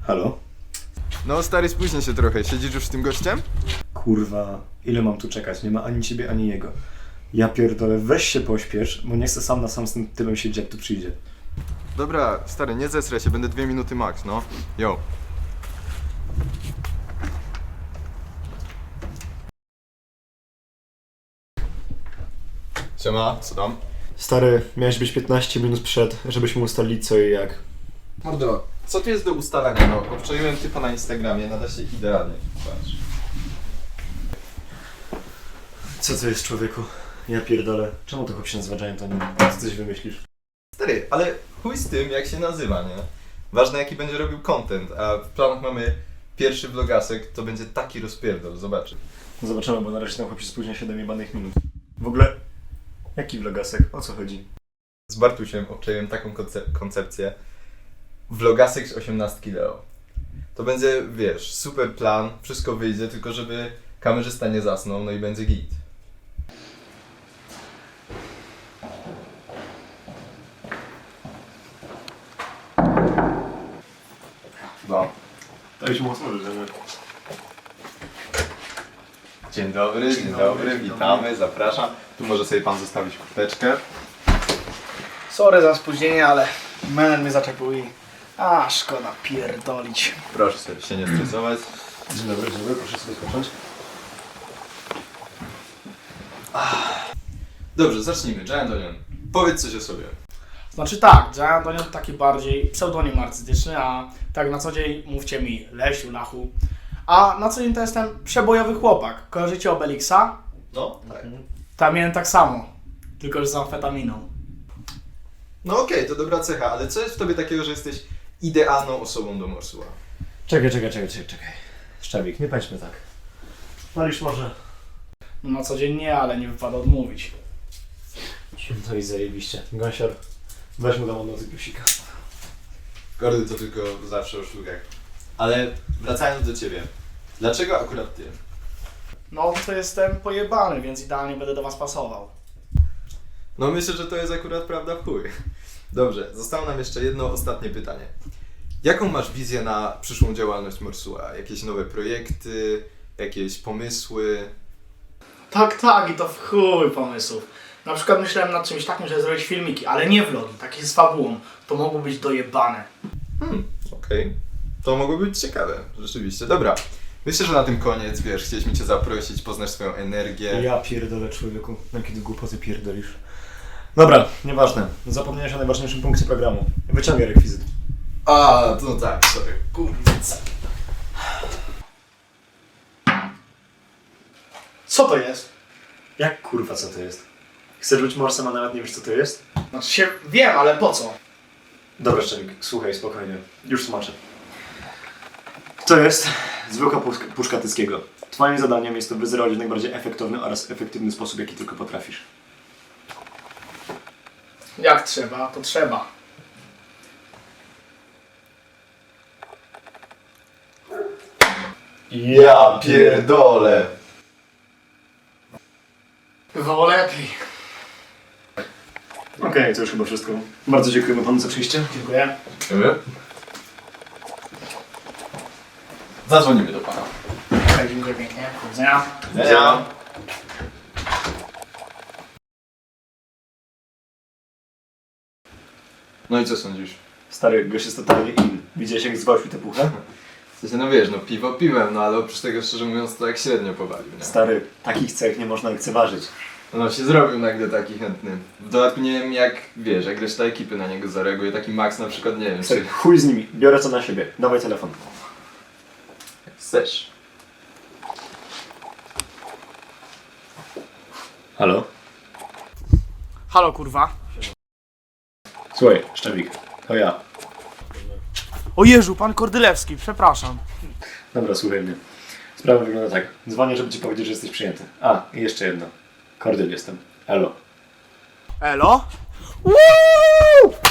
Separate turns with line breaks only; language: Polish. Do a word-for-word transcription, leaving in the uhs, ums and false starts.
Halo?
No stary, spóźnię się trochę. Siedzisz już z tym gościem?
Kurwa, ile mam tu czekać? Nie ma ani ciebie, ani jego. Ja pierdolę, weź się pośpiesz, bo nie chcę sam na sam z tym typem siedzieć, jak tu przyjdzie.
Dobra, stary, nie zesraj się, będę dwie minuty max, no. Yo. Siema, co tam?
Stary, miałeś być piętnaście minut przed, żebyśmy ustalili co i jak.
Mordo, co tu jest do ustalenia? No, obczaiłem typa na Instagramie, nada się idealnie. Patrz.
Co to jest, człowieku? Ja pierdolę. Czemu to chłop się nazywa Giant Onion? Co coś wymyślisz?
Stary, ale chuj z tym, jak się nazywa, nie? Ważne, jaki będzie robił content, a w planach mamy pierwszy vlogasek, to będzie taki rozpierdol, zobaczy.
No zobaczymy, bo na razie ten chłop się spóźnia siedem jebanych minut. W ogóle, jaki vlogasek? O co chodzi?
Z Bartusiem obczaiłem taką konce- koncepcję. Vlogasek z osiemnastki Leo. To będzie, wiesz, super plan, wszystko wyjdzie, tylko żeby kamerzysta nie zasnął, no i będzie git. No.
To już mocno, że...
Dzień dobry, dzień dobry, witamy, zapraszam. Tu może sobie pan zostawić kurteczkę.
Sorry za spóźnienie, ale menel mnie zaczepił i... A, szkoda pierdolić.
Proszę sobie się nie stresować.
Dzień dobry, dzień dobry, proszę sobie skończyć.
Dobrze, zacznijmy. Giant Onion, powiedz coś o sobie.
Znaczy tak, Giant Onion to taki bardziej pseudonim artystyczny, a tak na co dzień mówcie mi Lesiu, Lachu. A na co dzień to jestem przebojowy chłopak. Kojarzycie Obelixa?
No, tak.
Tam miałem tak samo, tylko że z amfetaminą.
No okej, to dobra cecha, ale co jest w tobie takiego, że jesteś idealną osobą do morsua?
Czekaj, czekaj, czekaj, czekaj, czekaj. Szczawik, nie pędźmy tak. Palisz może?
No na co dzień nie, ale nie wypada odmówić.
No i zajebiście. Gąsior, weź mu tam od nocy plusika.
Kordy to tylko zawsze o sztukach. Ale wracając do ciebie, dlaczego akurat ty?
No to jestem pojebany, więc idealnie będę do was pasował.
No myślę, że to jest akurat prawda w chuj. Dobrze, zostało nam jeszcze jedno ostatnie pytanie. Jaką masz wizję na przyszłą działalność Morsua? Jakieś nowe projekty, jakieś pomysły?
Tak, tak, i to w chuj pomysłów. Na przykład myślałem nad czymś takim, żeby zrobić filmiki, ale nie vlogi, takie z fabułą. To mogło być dojebane.
Hmm, okej. Okay. To mogło być ciekawe, rzeczywiście. Dobra, myślę, że na tym koniec, wiesz, chcieliśmy cię zaprosić, poznać swoją energię.
Ja pierdolę, człowieku. Jakie ty głupoty pierdolisz. Dobra, nieważne. Zapomniałeś o najważniejszym punkcie programu. Wyciągaj rekwizyt.
A, to tak, sorry. Kurde.
Co to jest?
Jak kurwa co to jest? Chcesz być morsem, a nawet nie wiesz co to jest?
Znaczy się wiem, ale po co?
Dobra, Szczawik, słuchaj spokojnie. Już tłumaczę. To jest zwykła puszka, puszka Tyckiego. Twoim zadaniem jest to wyzerować w najbardziej efektowny oraz efektywny sposób, jaki tylko potrafisz.
Jak trzeba, to trzeba.
Ja pierdolę.
Bywało lepiej.
Okej, okay, to już chyba wszystko. Bardzo dziękujemy panu za przyjście.
Dziękuję.
Zadzwonimy do pana.
Tak, dziękuję pięknie. Do widzenia.
Ja. No i co sądzisz?
Stary, gość jest totalnie in. Widziałeś jak zgłosił tę puchę?
W sensie, no wiesz, no piwo piwem, no ale oprócz tego, szczerze mówiąc, to jak średnio powalił, nie?
Stary, takich cech nie można lekceważyć.
No się zrobił nagle taki chętny. W dodatku nie wiem jak, wiesz, jak reszta ekipy na niego zareaguje, taki Max na przykład, nie wiem,
Stary,
czy...
chuj z nimi, biorę co na siebie. Dawaj telefon.
Chcesz.
Halo?
Halo kurwa.
Słuchaj, Szczawik, to ja.
O Jezu, pan Kordylewski, przepraszam.
Dobra, słuchaj mnie. Sprawa wygląda tak. Dzwonię, żeby ci powiedzieć, że jesteś przyjęty. A, i jeszcze jedno. Kordyl jestem. Elo.
Elo? Woo!